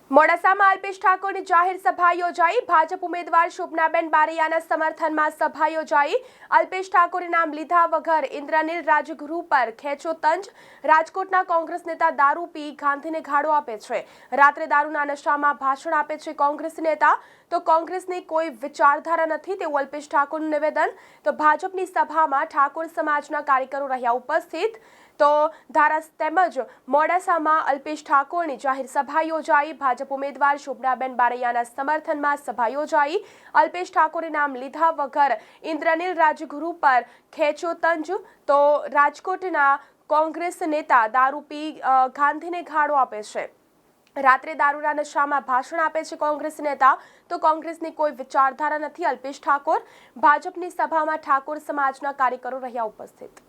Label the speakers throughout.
Speaker 1: મોડાસામાં અલ્પેશ ઠાકોરની જાહેર સભા યોજાઈ। ભાજપ ઉમેદવાર શોભનાબેન બારૈયાના સમર્થનમાં સભા યોજાઈ। અલ્પેશ ઠાકોરે નામ લીધા વગર ઇન્દ્રનીલ રાજગુરુ પર ખેંચો તંજ। રાજકોટના કોંગ્રેસ નેતા દારૂ પી ગાંધીને ઘાડો આપે છે। રાત્રે દારૂના નશામાં ભાષણ આપે છે કોંગ્રેસ નેતા। તો કોંગ્રેસની કોઈ વિચારધારા નથી તેવું અલ્પેશ ઠાકોરનું નિવેદન। તો ભાજપની સભામાં ઠાકોર સમાજના કાર્યકરો રહ્યા ઉપસ્થિત। તો તેમજ મોડાસામાં અલ્પેશ ઠાકોરની જાહેર સભા યોજાઈ। ભાજપ ઉમેદવાર શોભનાબેન બારૈયાના સમર્થનમાં સભા યોજાઈ। અલ્પેશ ઠાકોરે નામ લીધા વગર ઇન્દ્રનીલ રાજગુરુ પર ખેંચો તંજ। તો રાજકોટના કોંગ્રેસ નેતા દારૂ પી ગાંધીને ઘાડો આપે છે। રાત્રે દારૂના નશામાં ભાષણ આપે છે કોંગ્રેસ નેતા। તો કોંગ્રેસની કોઈ વિચારધારા નથી અલ્પેશ ઠાકોર। ભાજપની સભામાં ઠાકોર સમાજના કાર્યકરો રહ્યા ઉપસ્થિત।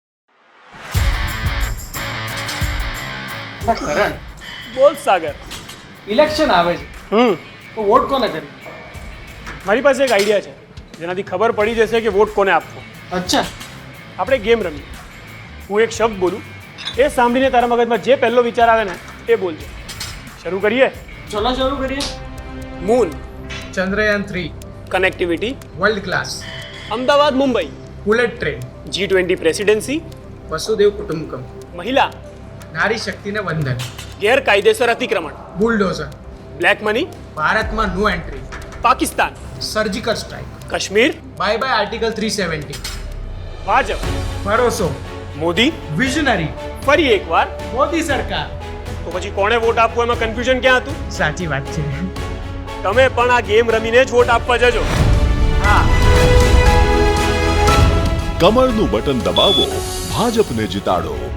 Speaker 2: કરણ,
Speaker 3: બોલ સાગર।
Speaker 2: ઇલેક્શન આવે છે તો વોટ કોને કરી?
Speaker 3: મારી પાસે એક આઈડિયા છે જેનાથી ખબર પડી જશે કે વોટ કોને આપવો।
Speaker 2: અચ્છા,
Speaker 3: આપણે ગેમ રમીએ। હું એક શબ્દ બોલું, એ સાંભળીને તારા મગજમાં જે પહેલો વિચાર આવે ને એ બોલજો। શરૂ કરીએ?
Speaker 2: ચલો શરૂ કરીએ।
Speaker 3: Moon,
Speaker 4: Chandrayaan 3,
Speaker 3: connectivity,
Speaker 4: world class,
Speaker 3: Ahmedabad Mumbai,
Speaker 4: bullet train,
Speaker 3: G20 presidency,
Speaker 4: વસુદેવ કુટુંબકમ,
Speaker 3: મહિલા,
Speaker 4: નારી શક્તિને વંદન,
Speaker 3: ગેરકાયદેસર અતિક્રમણ,
Speaker 4: બુલડોઝર,
Speaker 3: બ્લેક મની,
Speaker 4: ભારતમાં no entry,
Speaker 3: Pakistan,
Speaker 4: surgical strike,
Speaker 3: Kashmir,
Speaker 4: bye bye article 370,
Speaker 3: Bhajap,
Speaker 4: ભરોસો,
Speaker 3: મોદી,
Speaker 4: વિઝનરી,
Speaker 3: ફરી એકવાર।
Speaker 4: મોદી સરકાર।
Speaker 3: તો પછી કોણે વોટ આપવો એમાં કન્ફ્યુઝન ક્યાં હતું?
Speaker 4: સાચી વાત છે।
Speaker 3: તમે પણ આ ગેમ રમીને જ વોટ આપવા જજો।
Speaker 4: હા,
Speaker 5: કમળનું બટન દબાવો, ભાજપને જીતાડો।